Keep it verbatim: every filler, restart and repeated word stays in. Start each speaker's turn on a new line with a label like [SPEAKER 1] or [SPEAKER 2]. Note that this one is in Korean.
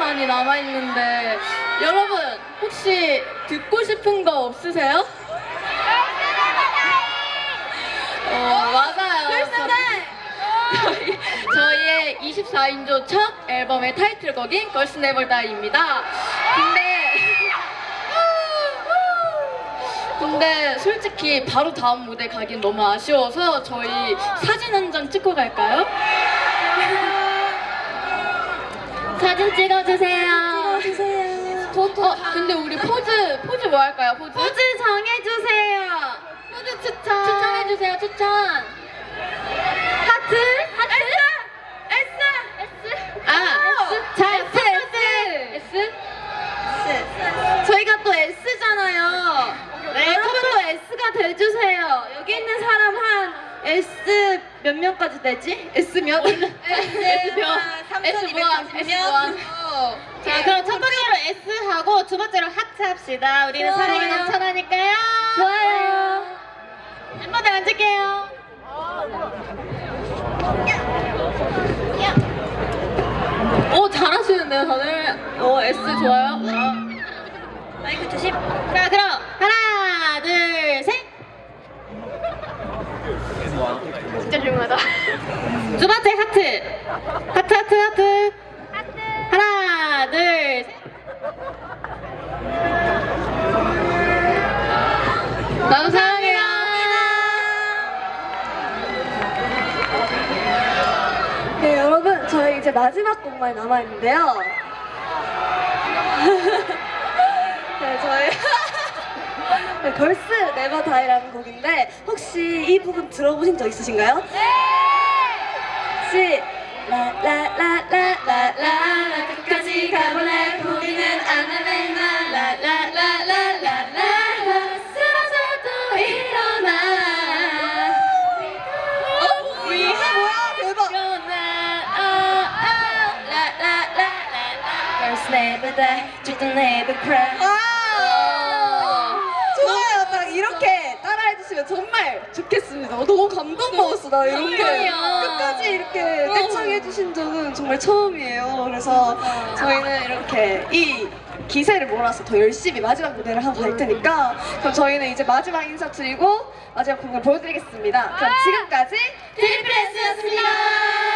[SPEAKER 1] 많이 남아있는데 여러분 혹시 듣고 싶은 거 없으세요? 어, 맞아요. 저희, 저희의 이십사 인조 첫 앨범의 타이틀곡인 걸스 네버 다이입니다. 근데 근데 솔직히 바로 다음 무대 가긴 너무 아쉬워서 저희 사진 한 장 찍고 갈까요? 사진 찍어주세요.
[SPEAKER 2] 찍어주세요.
[SPEAKER 1] 저도. 어, 근데 우리 포즈 포즈 뭐 할까요? 포즈?
[SPEAKER 2] 포즈 정해주세요.
[SPEAKER 1] 포즈 추천. 추천해주세요. 추천.
[SPEAKER 2] 하트. 하트. S. S. S.
[SPEAKER 1] 아, S. 자, S. S. S.
[SPEAKER 2] S. 저희가 또 S잖아요. 네, 여러분도 S가 돼주세요. 여기 있는 사람 한 S 몇 명까지 되지? S 몇? S 몇?
[SPEAKER 1] S 무한. S 무한.
[SPEAKER 2] 자, 그럼 첫 번째로 S 하고 두 번째로 하트 합시다. 우리는
[SPEAKER 1] 좋아요.
[SPEAKER 2] 사랑이 넘쳐나니까요.
[SPEAKER 1] 좋아요.
[SPEAKER 2] 멤버들 앉을게요.
[SPEAKER 1] 오, 잘하시는데요, 다들. 오, S 좋아요.
[SPEAKER 2] 마이크 조심. 자, 그럼 하나, 둘, 셋.
[SPEAKER 1] 진짜 중요하다.
[SPEAKER 2] 두 번째 하트. 하트, 하트, 하트. 하트. 하나, 둘, 셋.
[SPEAKER 1] 나도 사랑해요.
[SPEAKER 3] 네, 여러분, 저희 이제 마지막 곡만 남아있는데요. 네, 저희. 네, 걸스 네버 다이라는 곡인데, 혹시 이 부분 들어보신 적 있으신가요? 네! 혹시, 라라라라라라, 끝까지 가볼래, 포기는 안 할래, 나, 라라라라라라, 쓰러져도 일어나. 어? 이게 뭐야? 대박! Girls never die, just never cry. 좋아요. 딱 이렇게 따라해주시면 정말 좋겠습니다. 어, 너무 감동 먹었어. 나 이렇게
[SPEAKER 1] 감동이야.
[SPEAKER 3] 끝까지 이렇게 떼창해주신 적은 정말 처음이에요. 그래서 저희는 이렇게 이 기세를 몰아서 더 열심히 마지막 무대를 하고 갈 테니까 그럼 저희는 이제 마지막 인사 드리고 마지막 공연 보여드리겠습니다. 그럼 지금까지
[SPEAKER 2] 트리플 S였습니다.